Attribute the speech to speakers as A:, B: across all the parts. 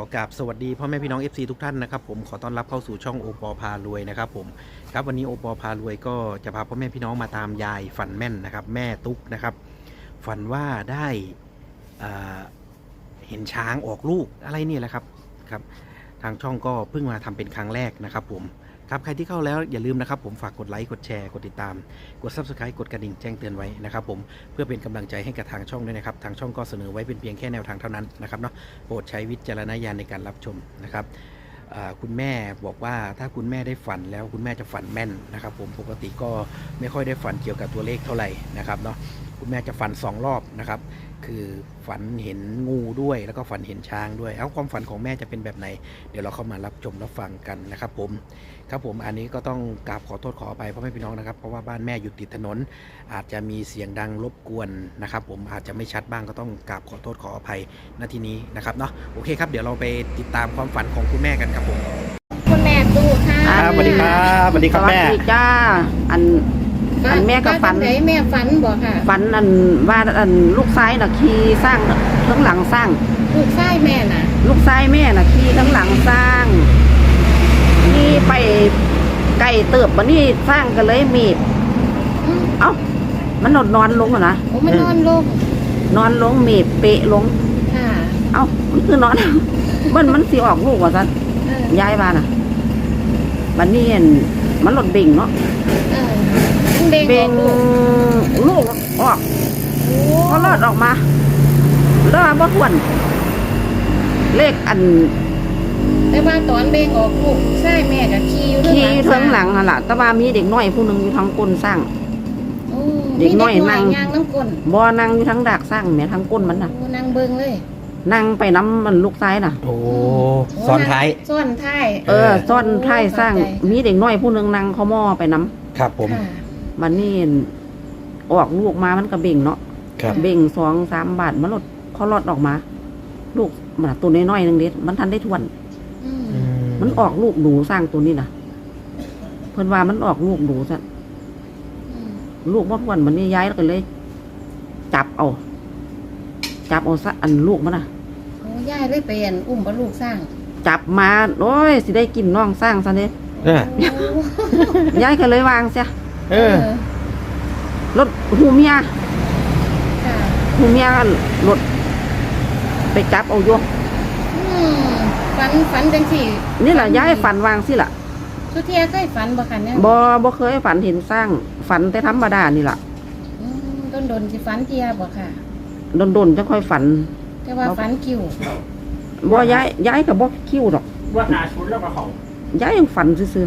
A: อกราบสวัสดีพ่อแม่พี่น้อง FC ทุกท่านนะครับผมขอต้อนรับเข้าสู่ช่องโอปอพารวยนะครับผมครับวันนี้โอปอพารวยก็จะพาพ่อแม่พี่น้องมาตามยายฝันแม่นนะครับแม่ตุ๊กนะครับฝันว่าได้เห็นช้างออกลูกอะไรนี่แหละครับทางช่องก็เพิ่งมาทำเป็นครั้งแรกนะครับผมครับใครที่เข้าแล้วอย่าลืมนะครับผมฝากกดไลค์กดแชร์กดติดตามกด Subscribe กดกระดิ่งแจ้งเตือนไว้นะครับผมเพื่อเป็นกำลังใจให้กับทางช่องด้วยนะครับทางช่องก็เสนอไว้เป็นเพียงแค่แนวทางเท่านั้นนะครับเนาะโปรดใช้วิจารณญาณในการรับชมนะครับคุณแม่บอกว่าถ้าคุณแม่ได้ฝันแล้วคุณแม่จะฝันแม่นนะครับผมปกติก็ไม่ค่อยได้ฝันเกี่ยวกับตัวเลขเท่าไหร่นะครับเนาะคุณแม่จะฝัน2 รอบนะครับคือฝันเห็นงูด้วยแล้วก็ฝันเห็นช้างด้วยความฝันของแม่จะเป็นแบบไหนเดี๋ยวเราเข้ามารับชมรับฟังกันนะครับผมอันนี้ก็ต้องกราบขอโทษขออภัยพ่อแม่พี่น้องนะครับเพราะว่าบ้านแม่อยู่ติดถนนอาจจะมีเสียงดังรบกวนนะครับผมอาจจะไม่ชัดบ้างก็ต้องกราบขอโทษขออภัยณที่นี้นะครับเนาะโอเคครับเดี๋ยวเราไปติดตามความฝันของคุณแม่กันครับผม
B: คุณแม่ตู้ค่ะ
A: สวัสดีครับสวัสดีครับแม่
C: สวัสดีจ้าอันแม่ก็ฝัน
B: แม่ฝันบอกค่ะ
C: ฝันว่าลูกชายน่ะขี่สร้างทั้งหลังสร้าง
B: ลูกชายแม่น่ะ
C: ลูกชายแม่น่ะขี่ทั้งหลังสร้างนี่ไปไก่เติบวันนี้สร้างกันเลยมีดเอ้ามันนอนลงนะ
B: โอ้มันนอน
C: ลงมีดเปะลง
B: ค่ะ
C: เอ้ามันคือนอนมันสิออกลูกว่าซั่นย้ายมาน่ะวันนี้มันหลดเบ่งเนาะเบ่งลูกออกพอรอดออกมาแล้วบ่ทวนเลข
B: แต่ว่าตอนเบ่งออกลูกใช่แม่กับขี่อยู่
C: ทางหลังนั่นล่ะแต่ว่ามีเด็กน้อยผู้นึงอยู่ทางก้นสร้างเด็กน้อยนั่ง
B: น้ำก้น
C: บ่นั่งอยู่ทางดากสร้างแม่ทางก้นมันน่ะ
B: นั่งเบิ่งเลย
C: นั่งไปน้ำมันลูกซ้ายน่ะ
A: โอ้ซ้อนท้าย
B: ซ้อนท้าย
C: ซ้อนท้ายสร้างมีเด็กน้อยผู้นึงนั่งเขาหม้อไปน้
A: ำครับผม
C: มันนี่ออกลูกมามันก็เบ่งเนาะเบ่ง2-3 บาทมันหลดเขาหลอดออกมาลูกมันตัวน้อยๆนึงเด็ดมันทันได้ทวนมันออกลูกหนูสร้างตัวนี้นะเพิ่นว่ามันออกลูกหนูซะลูกมดทวนมันนี่ย้ายแล้วก็เลยจับเอาซะลูกมันน่ะ
B: โอ้ย้ายเลยเป็นอุ้มบ่ลูกสร้าง
C: จับมาโอ้ยสิได้กินน้องสร้างซะเด้ย้ายก็เลยวางซะรถหูเมียรถไปจับเอาโย
B: ฝันจังสี่
C: นี่แหละย้ายฝันวางสิล่ะ
B: สุเทียเคยฝันบ่คะเนี่ย
C: บ่เคยฝันเห็นสร้างฝันแต่ธรรมดานี่ล่ะ
B: โดนสิฝันเทียบ่ค่ะ
C: โดนจะค่อยฝัน
B: แต่ว่าฝันคิว
C: บ่ย้ายกับบ่คิวดอก
A: ว่าหาชุดแล้วมาของ
C: ย้ายยังฝันซื่อ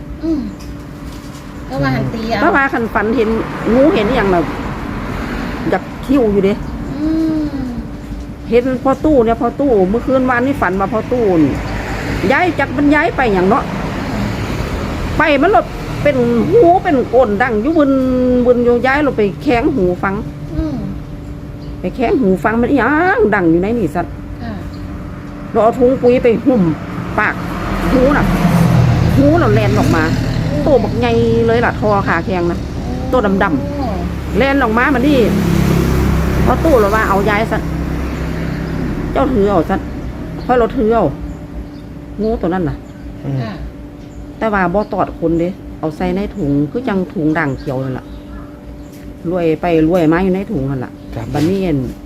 B: ก็ว่าหันตีเอา
C: เพราะว่าคันฝันเห็นงูเห็นอย่างแบบอยากคิวอยู่เด้เห็นพอตู้เมื่อคืนวานนี้ฝันมาพอตู้ย้ายจากมันย้ายไปอย่างเนาะไปมันหลดเป็นหูเป็นก้นดังอยู่บนโยย้ายเราไปแข้งหูฟังไปแข้งหูฟังมันยังดังอยู่ในนี่สัตว์เราเอาถุงปุ๋ยไปหุ่มปากหูเราแลนออกมาโตบักใหญ่เลยล่ะทอขาแข็งนะตัวดำๆแลนออกมามันนี่พอตู้เราว่าเอาย้ายสัตว์เจ้าถือเอาสัตว์พอเราถือเอางูตัวนั้นน่ะแต่ว่าบ่ตอดคนเด้เอาใส่ในถุงคือจังถุงด่างเขียวนั่นแหละรวยมาอยู่ในถุงนั่นแหละบัดนี้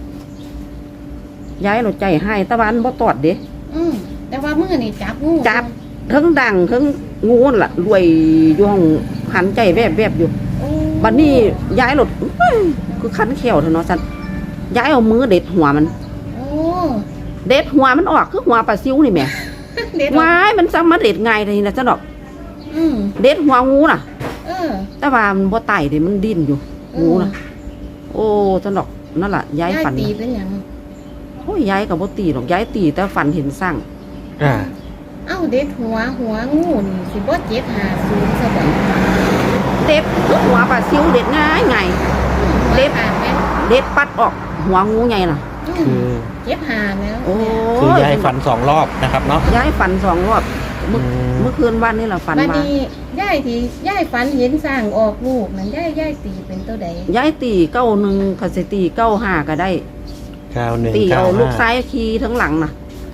C: ย้ายเราใจให้ตะวันบ่ตอดเด้
B: แต่ว่ามือนี่จับ
C: ทั้งด่างทั้งงูนั่นแหละรวยอยู่ห้องหันใจแวบอยู่บัดนี้ย้ายรถคือคันเขียวเถอะเนาะสันย้ายเอามือเด็ดหัวมันเด็ดหัวมันออกคือหัวปลาซิวนี่แม่วายมันซ้ำมาเด็ดง่ายเลยนะจ๊ะดอกเด็ดหัวงูน่ะแต่ว่ามันบ่ไต่เดี๋ยวมันดิ้นอยู่งูน่ะโอ้จ๊ะดอกนั่นแหละย้ายฝัน
B: ตีเป็นอย่าง
C: โอ้ยย้ายกับบ่ตีหรอกย้ายตีแต่ฝันเห็นสร้าง
B: เอ้าเด็ดหัวงูนี่สิบ่750ซะบ่
C: เด็ดคือหัวปลาซิวเด็ดง่ายเด็ดปัดออกหัวงูใหญ่น่ะ
A: คือ
B: 7-5แล้ว
A: คือยายฝัน2 รอบนะครับเนาะ
C: ยายฝัน2 รอบเมื่อคืนวันนี้เราฝันว่า
B: ย่ายฝันเห็นสร้างออกลูกนั่นย่ายตีเป็นตัวใด
C: ย่ายตี91คันสิตี95ก็ได้
A: 91
C: ตีเอาลูกซ้ายขี่ทั้งหลังน่ะ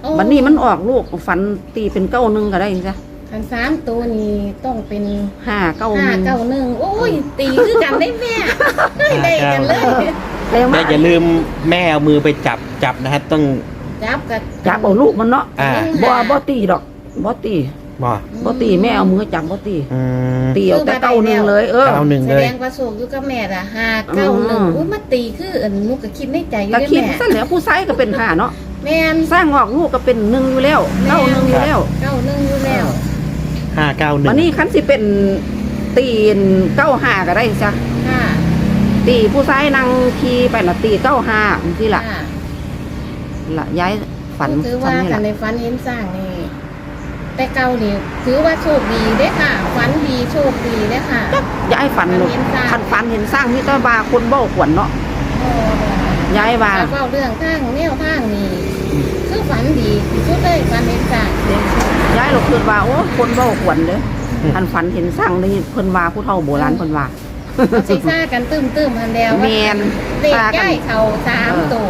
C: บัดนี้มันออกลูกฝันตีเป็นเก้าหนึ่งก็ได้จ้ะ
B: คัน3ตัวนี้ต้องเป็น
C: ห้าเก้าหนึ่ง
B: 591โอ้ยตีคือกันได้แม่ได้กันเลย
C: แต่
A: แม่
C: ว่า
A: อย่าลืมแม่เอามือไปจับนะฮะต้อง
B: จับกับ
C: จับเอาลูกมันเนาะ
A: อ่า
C: บ่ตีดอกบ่ตี
A: บ่
C: บ่ตีแม่เอามือจับบ่ตี
A: อืม
C: ตีเอาแต่เก้าหนึ่งเลย
A: เก้าหนึ่ง
B: แส
A: เลย
B: ดงว่าโศกอยู่กับแม่ล่ะ591อุ้ยมาตีคืออันนุกก็คิดในใจอยู่
C: ก็
B: ได้
C: คิด
B: แม่
C: ซะแล้วผู้ชายก็เป็นห้าเนาะ
B: แม่น
C: สร้างออกลูกก็เป็นหนึ่งอยู่แล้วเก้าหนึ่งอยู่แล้ว
B: 91อยู่แล้ว
A: 591
C: วันนี้คันสิเป็นตีนเก้าห้าก็ได้จ้ะ
B: ค่ะ
C: ตีผู้ชายนั่งขี่ไปน่ะตีเก้าห้าจังซี่ล่ะ
B: ค่ะ
C: ละย้ายฝัน
B: ถือ
C: ฝั
B: ว่าน
C: นี่
B: กั
C: ล่ะ
B: นในฝันเห็นสร้างนี่แต่เก่านี่ถือว่าโชคดีเด้อค่ะฝันดีโชคดีเด้อค่ะ
C: ย้ายฝันลูก
B: ฝันเห็นสร้าง
C: คันฝันเห็นสร้างมีแต่ว่าคนเบ้าขวัญเนาะ
B: โอ้
C: ย้ายว่า
B: แล้วก็เรื่องทางแนวทางนี่คือฝันดีที่สุดเลยฝันเห็นสร้าง
C: ย้ายเราคิดว่าโอ้คนเบ้าขวัญเด้อคันฝันเห็นสร้างนี่เพิ่นว่าผู้เฒ่าโบราณเพิ่นว่า
B: เขาสิซ่ากันตึ้มหันแล้ว
C: แม่น
B: เด็ก
C: ซ่ากัน
B: ย่ายเขา3ตัว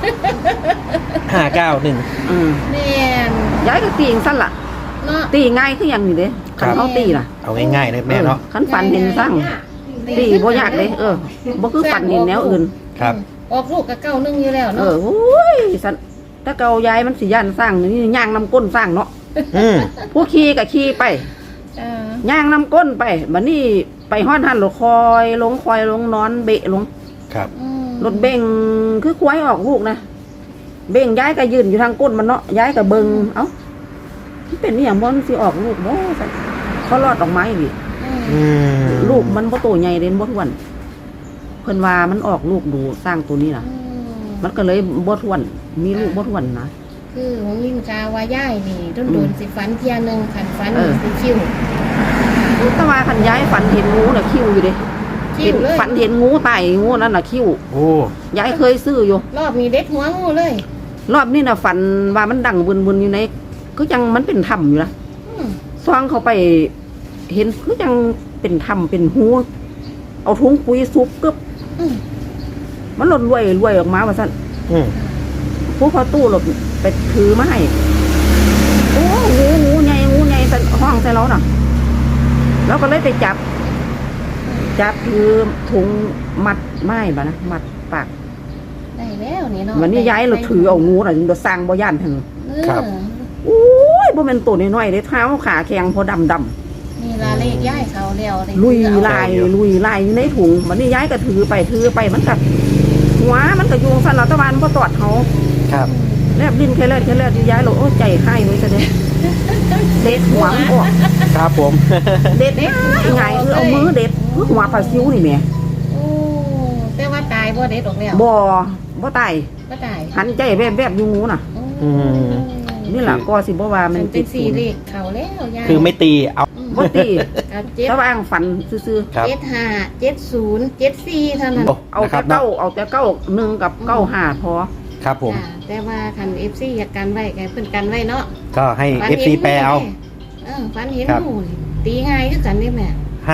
A: 591
C: อืม
B: แม่น
C: ย้ายก็ตีจังซั่นล่ะ
B: เนาะ
C: ตีง่ายคือหยังนี่เด้คันเฮาตีล่ะ
A: เอาง่ายๆเลยแม่เนาะ
C: คันฝันเห็นสร้างตีบ่ยากเลยบ่คือฝันเห็นแนวอื่น
A: ครับ
B: ออกลูกกับ91อยู่แล้ว
C: เอ
B: เนาะ
C: อโอ้ยสันถ้าเกายายมันสิย่านสร้างนี่ย่างน้ำก้นสร้างเนาะ
A: อืม
C: ผู้ขี่ก็ขี่ไป
B: เออ
C: ย่างน้ำก้นไปบัดนี้ไปฮอดหันรถคอยลงนอนเบะลง
A: ครับ
B: อืม
C: รถเบ่งคือควายออกลูกนะเบ่งย้ายก็ยืนอยู่ทางก้นมันเนาะย้ายก็เบิงเอ้ามันเป็นอหย่างบ่มันสิออกลูกบ่ซั่นเขารอดออกมาอีก
A: อืม
C: ลูกมันบ่โตใหญ่เด่นบ่ท้วนเพิ่นว่ามันออกลูกดูสร้างตัวนี้ล่ะ มันก็เลยบ่ท้วน มีลูกบ่ท้วนนะ
B: คือของยิงกาว่าย่ายนี่โดนสิฝันเที่ยหนึงขันฝัน
C: เออ
B: สิคิว
C: แต่ว่าคันย้ายฝันเห็นงูน่ะคิ้วอยู่เด้
B: คิวเลย
C: ฝันเห็นงูตายงูนั่นน่ะคิ้ว
A: โอ้
C: ยายเคยซื้ออยู่
B: รอบนี้เด็ดหัวงูเลย
C: รอบนี้น่ะฝันว่ามันดังวนๆอยู่ในคือจังมันเป็นถ้ำอยู่นะ
B: อืม
C: ซ่องเข้าไปเห็นคือจังเป็นถ้ำเป็นหูเอาถุงปุ๋ยซุบกึบ
B: อืม
C: มันหล่นรวยออกมาว่าซั่น
A: อืม
C: ผู้พอตู้หลบไปถือมาให้โอ้งูใหญ่ซั่นห้องใส่เราน่ะเราก็เลยไปจับถือถุงมัดไม้บ่นะมัดปาก
B: ได้แล้วนี่เนาะ
C: วันนี้ย้ายเราถือเอางูน่ะเราสร้างบ่ย่านถึง
B: เออ
C: โอ้ยบ่แม่นตัวน้อยๆเด้เท้าขาแข็งพอดำ
B: นี่ละเลขย่ายเขาแล้วได้
C: ลุย
B: เอา
C: ลายอยู่ในถุงวันนี้ย้ายก็ถือไปมันกัดหัวมันก็ยุงสั่นเราตะวันบ่ตอดเขา
A: ครับ
C: แลบลิ้นแค่แลดย้ายเราโอ้ใจให้ไว้ซะเด้เด็ดหัวมันออก
A: ครับผม
C: เด็ดง่ายคือเอามือเด็ดคือหัวปลาซิวนี่แหม่
B: โอ้แต่ว่าตายบ่เด็ดออกแล้ว
C: บ่ตาย
B: บ่ตาย
C: หันใจแวบๆอยู่งูน่ะ
A: อืม
C: นี่ล่ะก็สิบ่ว่ามัน
B: เป็นสีเลขเขาแล้วย่าย
A: คือไม่ตีเอา
C: บ่ตี
B: กับเจ็ด
C: ตะวางฝันซื่อ
A: ครับ
B: 75 70 74เท่านั้น
A: โอ้
C: ๆเอา
A: นะค
C: แต่
A: รับเนาะ
C: เก้าหนึ่งกับเก้าห้าพอ
A: ครับผม
B: จ้ะแต่ว่าคัน FC อยากกันไว้ก็เพิ่นกันไว้เนาะ
A: ก็ให้ FC แปลเอา
B: ฝันเห็น
A: ครับ
B: งูนี่ตีง่ายคือกันเด้แม่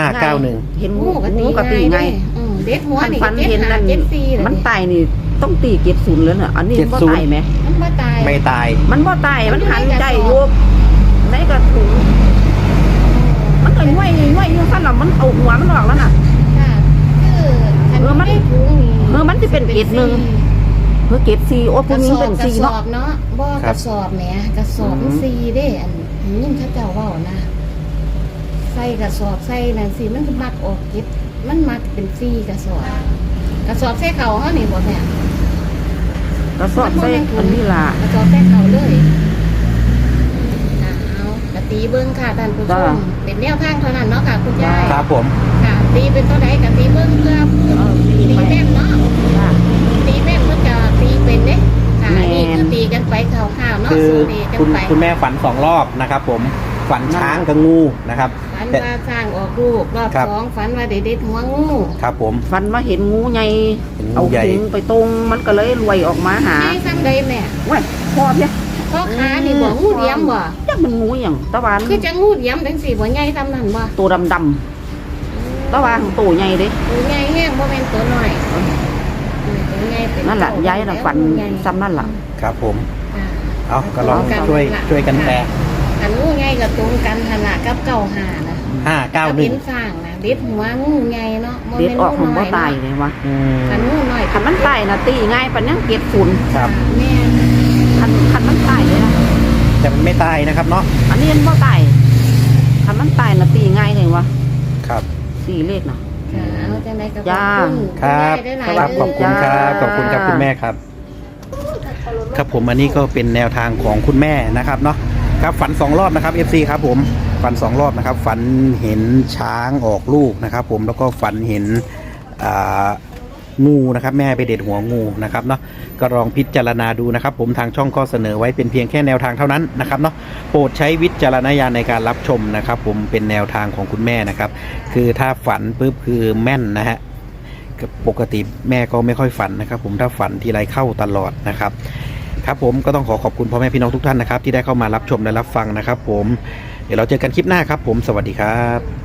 A: 591
C: เห็น
B: งู
C: งู
B: ก็ตี
C: ไง
B: ง่ายเด้เด็ดหัว
C: คัน
B: นี่
C: ฟัน
B: ก็
C: เห็นนั่น
B: 75 74
C: มันตายนี่ต้องตีเก็บศูนย์แล้วเนี่ยอันนี้มันบ่
A: 70
C: ตายไหม
B: มันบ่ตาย
A: ไม่ตาย
C: มันบ่ตายมันหันใจอยู่ในกระถุงมันก็ง่วยอยู่ซั่นน่ะมันเอาหัวมันออกแล้วน่ะ
B: ค่ะคือคัน
C: มัน
B: ได้ถุงนี่
C: มันสิเป็นเกรดหนึ่ง เพื่อเก็บซีโอ้
B: ก
C: ผู้
B: ระ
C: หญิ
B: ส
C: ง
B: อบ
C: เป็น
B: กระ
C: ซี
B: สอ
C: เนาะ
B: บเนาะบ่กระสอบแหมกระสอบมันซีเด้อันนี้เขาเจ้าเว้านะใส่กระสอบใส่นั่นสิมันมักออกเก็บมันมักเป็นซีกระสอบใส่เขาเฮานี่บ่แม่
C: กระสอบใส่อันนี้ล่ะ
B: กระสอบใส่เขาเลยเอากะตีเบิ่งค่ะท่านผู้ช
C: จ้า
B: มเป็นแนวทางเท่านั้นเนาะค่ะคุณยาย
A: ครับผม
B: ค่ะตีเป็นตัวใดกะตีเบิ่งเพื่อตีแม่นเนาะ
C: จ้า
B: ตีแม่นเพิ่นจะตีเป็นเด้ค่ะ
C: แม่น
B: นี่คือตีกันไปข่าวๆเนาะ
A: คือ
B: สู้ตีกัน
A: คุณ
B: ไป
A: คุณแม่ฝัน2 รอบนะครับผม ฝันช้างกับงูนะครับ
B: ฝันว่าสร้างออกลูกรอบ
A: ครับ
B: สองฝันว่าเด็ดหัวงู
A: ครับผม
C: ฟันมาเห็นงูใหญ่
A: เห็นงู
C: เอา
A: ใหญ่
C: ถุงไปตรงมันก็เลยรวยออกมาหา
B: ให้ซ้ำใดแม่
C: เว้ยพอเพีย
B: พ่อค้านี่บ่งูเหลี่ยมบ่
C: จักมันงูอย่างตะวัน
B: คือจะงูเหลี่ยมจังสี่บ่ใหญ่ซ้ำนั่นบ่
C: ตัวดำตะวันตัวใหญ่เด้
B: ตัวใหญ่แห้งบ่แม่นตัวน้อยตัวใหญ่เป็น
C: นั่นแหละ
B: เต่า
C: ย้ายน่ะ
B: แล้ว
C: ฝัน
B: งูใหญ่
C: ซ้ำนั่นล่ะ
A: ครับผม
B: อ่า
A: เอาก็ลองช่วยกันแปล
B: อันงูใหญ่กับตรงกันขนาดกับเก่าหานะ
A: 591
B: เป็นสร้างนะเด็ดหัวงูใหญ่เนาะ
C: เด็ดออกผมบ่ตายเลยวะ
A: อืม
B: คันงูน้อย
C: คันมันตายนะตีง่ายปานยังเก็บฝุ่น
A: ครับ
B: แม่
C: คันมันตายเลยนะ
A: แต่มันไม่ตายนะครับเนาะ
C: อันนี้มันบ่ตายคันมันตายนะตีง่ายเลยวะ
A: ครับ
C: สี่เลขนะ
B: ค่ะเอาจังได๋ก็
C: จ้า
A: ครับ
B: ได้หลาย
A: ครับขอบคุณครับขอบคุณครับคุณแม่ครับ ครับผมอันนี้ก็เป็นแนวทางของคุณแม่นะครับเนาะครับฝัน2รอบนะครับ FC ครับผมฝัน2รอบนะครับฝันเห็นช้างออกลูกนะครับผมแล้วก็ฝันเห็นงูนะครับแม่ไปเด็ดหัวงูนะครับเนาะก็ลองพิจารณาดูนะครับผมทางช่องก็เสนอไว้เป็นเพียงแค่แนวทางเท่านั้นนะครับเนาะโปรดใช้วิจารณญาณในการรับชมนะครับผมเป็นแนวทางของคุณแม่นะครับคือถ้าฝันปุ๊บคือแม่นนะฮะปกติแม่ก็ไม่ค่อยฝันนะครับผมถ้าฝันทีไรเข้าตลอดนะครับครับผมก็ต้องขอบคุณพ่อแม่พี่น้องทุกท่านนะครับที่ได้เข้ามารับชมและรับฟังนะครับผมเดี๋ยวเราเจอกันคลิปหน้าครับผมสวัสดีครับ